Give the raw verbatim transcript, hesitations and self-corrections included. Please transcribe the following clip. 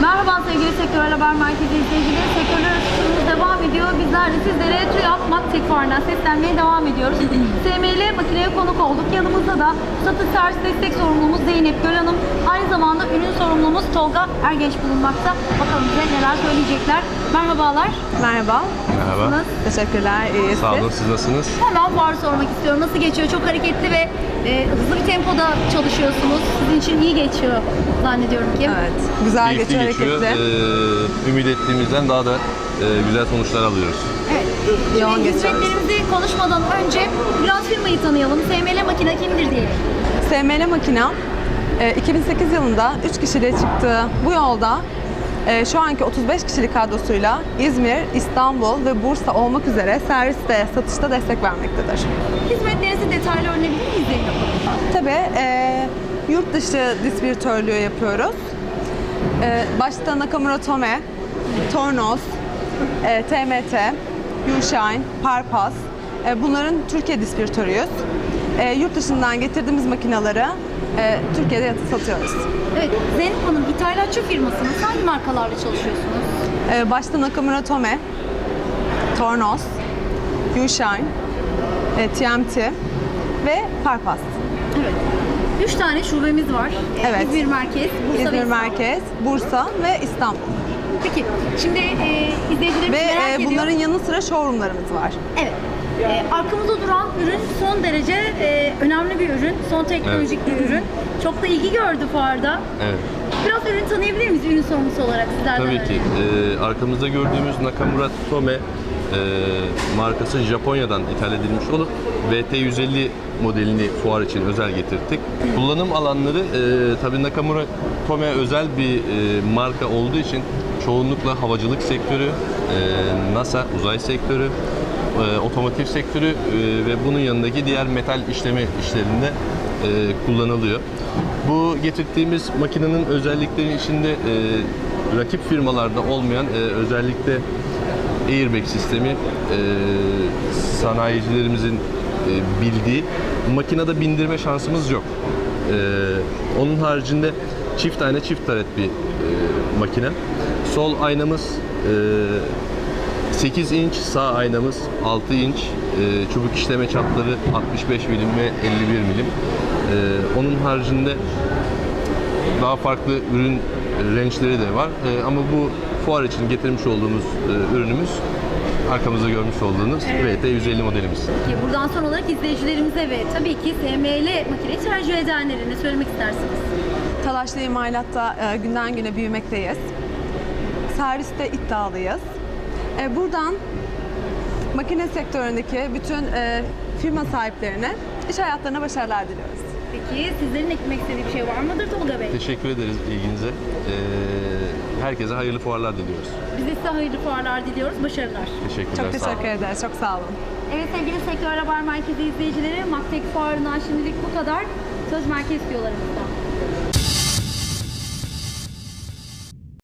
Merhaba sevgili Sektörel Haber Merkezi izleyicileri. Sektörler arasında devam ediyor. Bizler de sizlere TÜYAP Maktek Fuarı'ndan seslenmeye devam ediyoruz. S M L makineye konuk olduk. Yanımızda da satış servis destek sorumlumuz Zeynep Göl Hanım. Aynı zamanda ürün sorumlumuz Tolga Ergenç bulunmakta. Bakalım bize neler söyleyecekler. Merhabalar. Merhaba. Merhaba. Nasılsınız? Teşekkürler. İyiyiz. Sağ olun, siz nasılsınız? Hemen fuarı sormak istiyorum. Nasıl geçiyor? Çok hareketli ve e, hızlı bir tempoda çalışıyorsunuz. Sizin için iyi geçiyor zannediyorum ki. Evet. Güzel Keyifli geçiyor, geçiyor. hareketli. Ee, ümit ettiğimizden daha da e, güzel sonuçlar alıyoruz. Evet. Yoğun Şimdi geçiyoruz. hizmetlerimizi konuşmadan önce biraz firmayı tanıyalım. S M L Makine kimdir diyelim. S M L Makina e, iki bin sekiz yılında üç kişiliğe çıktığı bu yolda e, şu anki otuz beş kişilik kadrosuyla İzmir, İstanbul ve Bursa olmak üzere servis ve satışta destek vermektedir. Hizmetlerinizi detaylı öğrenebilir miyiz Zeynep Hanım? Tabii e, yurt dışı distribütörlüğü yapıyoruz. E, başta Nakamura Tome, Tornos, e, T M T, Yushine, Parpas, e, bunların Türkiye distribütörüyüz. E, yurt dışından getirdiğimiz makineleri e, Türkiye'de satıyoruz. Evet, Zeynep Hanım ithalatçı firmasınız. Hangi markalarla çalışıyorsunuz? E, başta Nakamura Tome, Tornos, Yushine, e, T M T ve Parpas. Evet. Üç tane şubemiz var. Evet. İzmir Merkez, Bursa ve İzmir İstanbul. Merkez, Bursa ve İstanbul. Peki, şimdi e, izleyicilerimiz Ve merak e, ediyor. bunların yanı sıra showroomlarımız var. Evet. E, arkamızda duran ürün son derece e, önemli bir ürün. Son teknolojik bir ürün. Çok da ilgi gördü fuarda. Evet. Biraz ürün tanıyabilir miyiz ürün sorumlusu olarak sizlerden? Tabii ki. Ee, arkamızda gördüğümüz Nakamura Tome e, markası Japonya'dan ithal edilmiş olup V T yüz elli modelini fuar için özel getirdik. Kullanım alanları e, tabii Nakamura Tome özel bir e, marka olduğu için çoğunlukla havacılık sektörü, e, NASA uzay sektörü, e, otomotiv sektörü e, ve bunun yanındaki diğer metal işleme işlerinde e, kullanılıyor. Bu getirdiğimiz makinenin özellikleri içinde e, rakip firmalarda olmayan e, özellikle airbag sistemi e, sanayicilerimizin e, bildiği makinede bindirme şansımız yok. E, onun haricinde çift ayna çift taret bir e, makine. Sol aynamız e, sekiz inç, sağ aynamız altı inç, e, çubuk işleme çapları altmış beş milim ve elli bir milim. E, onun haricinde daha farklı ürün range'leri de var. E, ama bu fuar için getirmiş olduğumuz e, ürünümüz arkamızda görmüş olduğunuz V T yüz elli modelimiz. Peki, buradan son olarak izleyicilerimize ve tabii ki S M L makineyi tercih edenlere ne söylemek istersiniz? Talaşlı imalatta e, günden güne büyümekteyiz. Serviste iddialıyız. E, buradan makine sektöründeki bütün e, firma sahiplerine iş hayatlarına başarılar diliyoruz. Peki sizlerin eklemek istediği bir şey var mıdır Tolga Bey? Teşekkür ederiz ilginize. E, herkese hayırlı fuarlar diliyoruz. Biz de size hayırlı fuarlar diliyoruz. Başarılar. Teşekkürler. Çok sağ olun. teşekkür ederiz. Çok sağ olun. Evet sevgili Sektör Haber Merkezi izleyicileri, Maktek Fuarı'ndan şimdilik bu kadar. Söz merkez diyorlarımızdan.